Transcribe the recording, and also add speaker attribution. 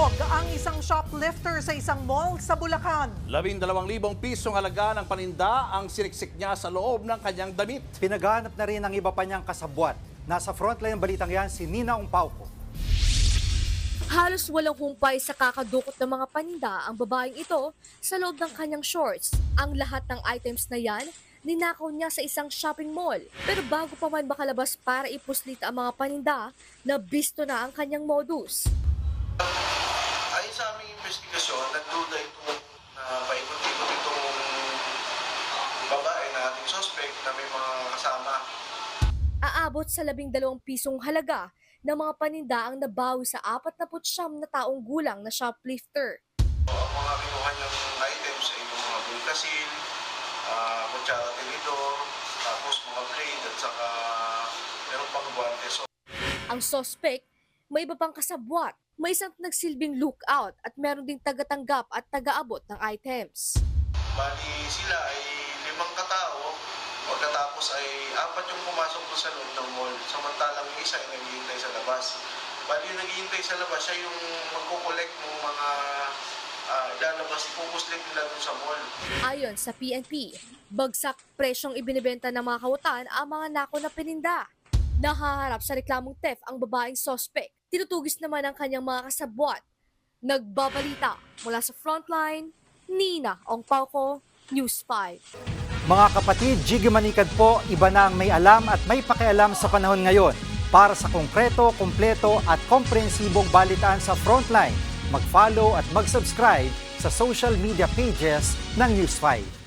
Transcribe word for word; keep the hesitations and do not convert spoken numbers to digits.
Speaker 1: Nahulog ang isang shoplifter sa isang mall sa Bulacan.
Speaker 2: Labing dalawang libong pisong halaga ng paninda ang siniksik niya sa loob ng kanyang damit.
Speaker 3: Pinaghahanap na rin ang iba pa niyang kasabwat. Nasa frontline ng balitang yan si Nina Umpauco.
Speaker 4: Halos walang humpay sa kakadukot ng mga paninda ang babaeng ito sa loob ng kanyang shorts. Ang lahat ng items na yan, ninakaw niya sa isang shopping mall. Pero bago pa man makalabas para ipuslit ang mga paninda, nabisto na ang kanyang modus.
Speaker 5: Ayon sa aming investigasyon, nagduda itong na paikot-ikot itong babae na ating suspect na may mga kasama.
Speaker 4: Aabot sa labing dalawang pisong halaga ng mga paninda ang nabawi sa apat na putsyam na taong gulang na shoplifter.
Speaker 5: Ang mga kinuha niyang items ay yung mga bulkasil, uh, kutsara tinidor, tapos mga blade at saka meron pang guantes.
Speaker 4: Ang suspect, may iba pang kasabwat, may isang nagsilbing lookout at meron ding tagatanggap at tagaabot ng items.
Speaker 5: Bali sila ay limang katao, pagkatapos ay apat yung pumasok doon sa loob ng mall, samantalang yung isa ay naghihintay sa labas. Bali yung naghihintay sa labas, siya yung magkukolekt ng mga uh, ilalabas, ipupuslit nila doon sa mall.
Speaker 4: Ayon sa P N P, bagsak presyong ibinibenta ng mga kawutan ang mga nako na peninda. Nahaharap sa reklamong theft ang babaeng suspect. Tinutugis naman ang kanyang mga kasabwat. Nagbabalita mula sa frontline, Nina Ongpauco, News five.
Speaker 3: Mga kapatid, Jiggy Manikad po, iba na ang may alam at may pakialam sa panahon ngayon. Para sa konkreto, kumpleto at komprehensibong balitaan sa Frontline, mag-follow at mag-subscribe sa social media pages ng News five.